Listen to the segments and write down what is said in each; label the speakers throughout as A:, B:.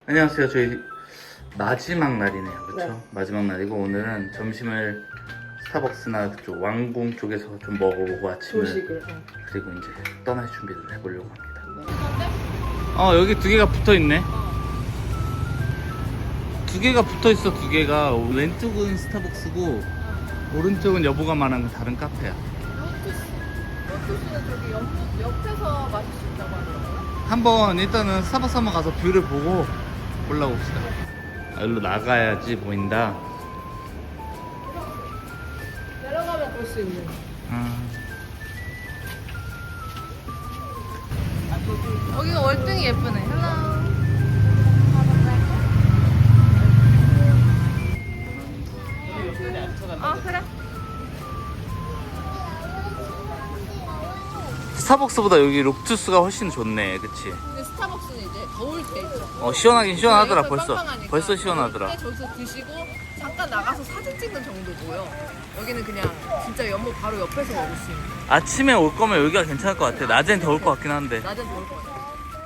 A: 안녕하세요. 저희 마지막 날이네요. 그쵸?
B: 네.
A: 마지막 날이고 오늘은 점심을 스타벅스나 그쪽 왕궁 쪽에서 좀 먹어보고 아침을
B: 조식을.
A: 그리고 이제 떠날 준비를 해보려고 합니다. 여기 두 개가 붙어있네. 두 개가 붙어있어. 두 개가 왼쪽은 스타벅스고 오른쪽은 여보가 말한 다른 카페야.
B: 로투스는 저기 옆에서 마실 수 있다고 하더라고요.
A: 한번 일단은 스타벅스 한번 가서 뷰를 보고 올라봅시다. 여기로 나가야지 보인다.
B: 내려가면 볼 수 있는. 여기가 월등히 예쁘네. 헬로. 그래.
A: 스타벅스보다 여기 록투스가 훨씬 좋네. 그치?
B: 근데 스타벅스는 이제 더울 때 있죠.
A: 시원하긴 시원하더라.
B: 여기서
A: 벌써
B: 빵빵하니까.
A: 시원하더라.
B: 그때 저기서 드시고 잠깐 나가서 사진 찍는 정도고요. 여기는 그냥 진짜 연못 바로 옆에서 먹을 수 있는.
A: 아침에 올 거면 여기가 괜찮을 것 같아. 낮엔 더울 것 같긴 한데.
B: 낮엔 더울 것 같아요.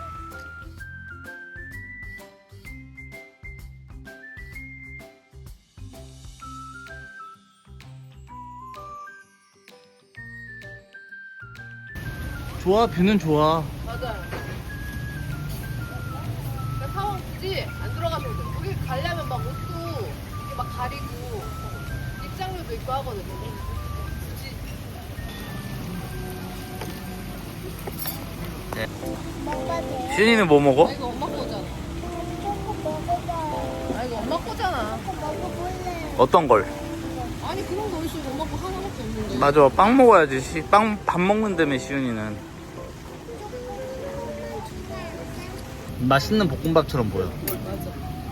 A: 좋아, 뷰는 좋아.
B: 맞아요. 그러니까 사원 굳이 안 들어가셔도 돼요. 거기 가려면 막 옷도 이렇게 막 가리고 입장료도 있고 하거든요. 굳이.
A: 시윤이는 뭐 먹어?
B: 이거 엄마 거잖아. 이거 엄마 거잖아.
A: 어떤 걸?
B: 아니 그런 거 어디서 엄마 거 하나밖에 없는데.
A: 맞아, 빵 먹어야지. 밥 먹는다며 시윤이는. 맛있는 볶음밥처럼 보여.
B: 맞아.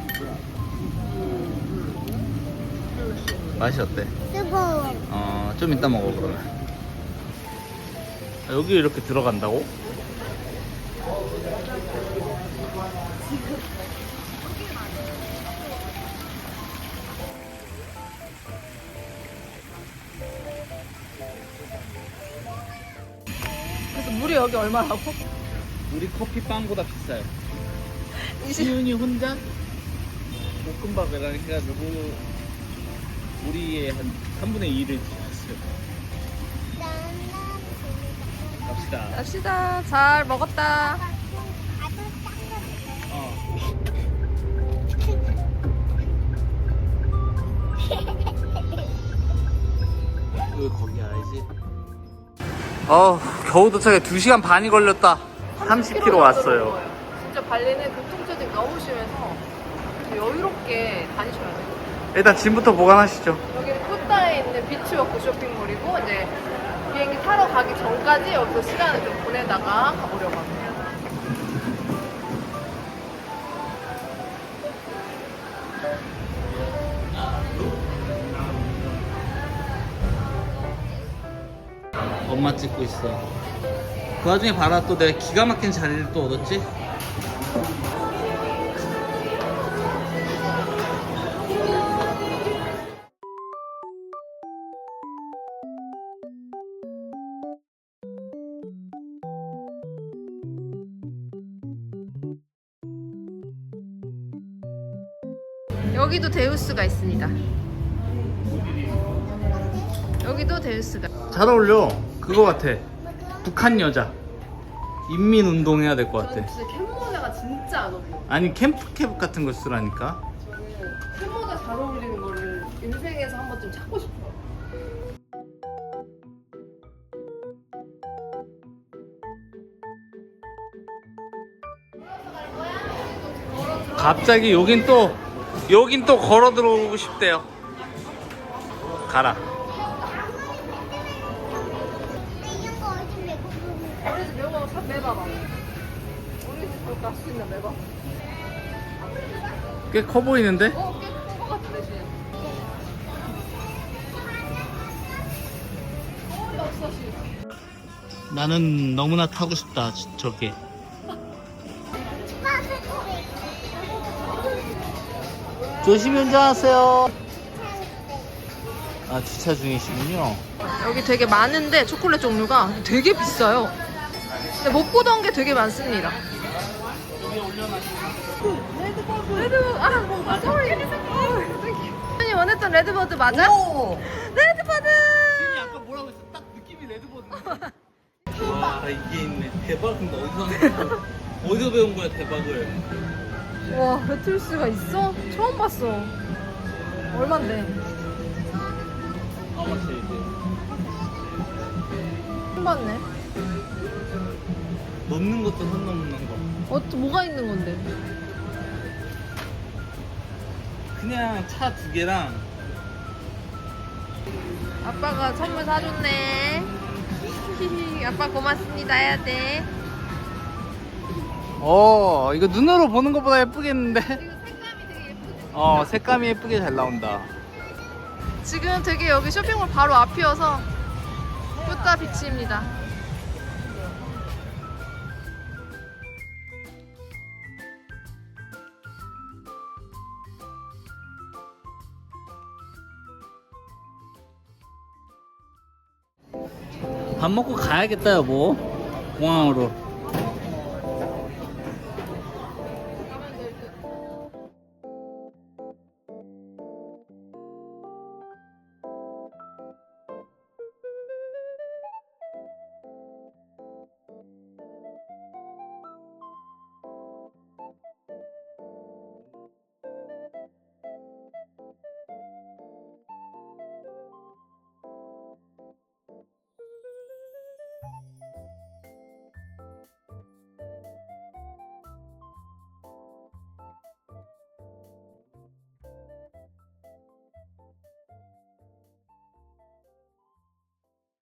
A: 맛이 어때?
C: 뜨거워.
A: 좀 이따 먹어 그러면. 여기 이렇게 들어간다고?
B: 그래서 물이 여기 얼마라고?
A: 우리 커피 빵보다 비싸요. 시윤이 혼자 볶음밥이랑 해가지고 우리의 한 3분의 2를 드셨어요. 갑시다.
B: 갑시다. 잘 먹었다.
A: 왜 거기 알지? 겨우 도착해. 2시간 반이 걸렸다. 30km 왔어요.
B: 진짜 발리는 교통체증 너무 심해서 여유롭게 다니셔야 돼요.
A: 일단 짐부터 보관하시죠.
B: 여기는 쿠타에 있는 비치워크 쇼핑몰이고 이제 비행기 타러 가기 전까지 여기서 시간을 좀 보내다가 가보려고 합니다.
A: 엄마 찍고 있어. 그 와중에 봐라, 또 내가 기가 막힌 자리를 또 얻었지?
B: 여기도 데우스가 있습니다. 여기도 데우스가.
A: 잘 어울려. 그거 같아. 북한 여자. 인민운동 해야 될 것 같아.
B: 진짜 캔모자가 진짜 안 어울려.
A: 아니, 캠프캡 같은 거 쓰라니까.
B: 저는 캔모자 잘 어울리는 거를 인생에서 한 번쯤 찾고 싶어요.
A: 갑자기 여긴 또 걸어 들어오고 싶대요. 가라.
B: 우리 집 여보 삽 매봐봐. 우리 집 갈수 있나 매봐.
A: 꽤 커 보이는데?
B: 꽤 큰 거 같은데 지금. 없어 지금.
A: 나는 너무나 타고 싶다, 저게. 조심히 운전하세요. 주차 중이시군요.
B: 여기 되게 많은데 초콜릿 종류가 되게 비싸요. 근데 못 보던 게 되게 많습니다.
A: 여기 올려놔주세요.
B: 레드버드 쏘리. 아니 원했던 레드버드 맞아? 레드버드.
A: 신이 아까 뭐라고 했어? 딱 느낌이 레드버드. 와 이게 있네. 대박. 근데 어디서 어디서 배운 거야 대박을?
B: 와 배틀스가 있어? 처음 봤어. 얼만데?
A: 아마씨 이제
B: 처음 봤네.
A: 넣는 것도 선 넘는 거.
B: 뭐가 있는 건데?
A: 그냥 차 2개랑
B: 아빠가 선물 사줬네. 히히, 아빠 고맙습니다 해야 돼.
A: 이거 눈으로 보는 것보다 예쁘겠는데?
B: 색감이 되게 예쁘지?
A: 색감이 예쁘게 잘 나온다.
B: 지금 되게 여기 쇼핑몰 바로 앞이어서 뿌따 비치입니다.
A: 밥 먹고 가야겠다 여보. 공항으로.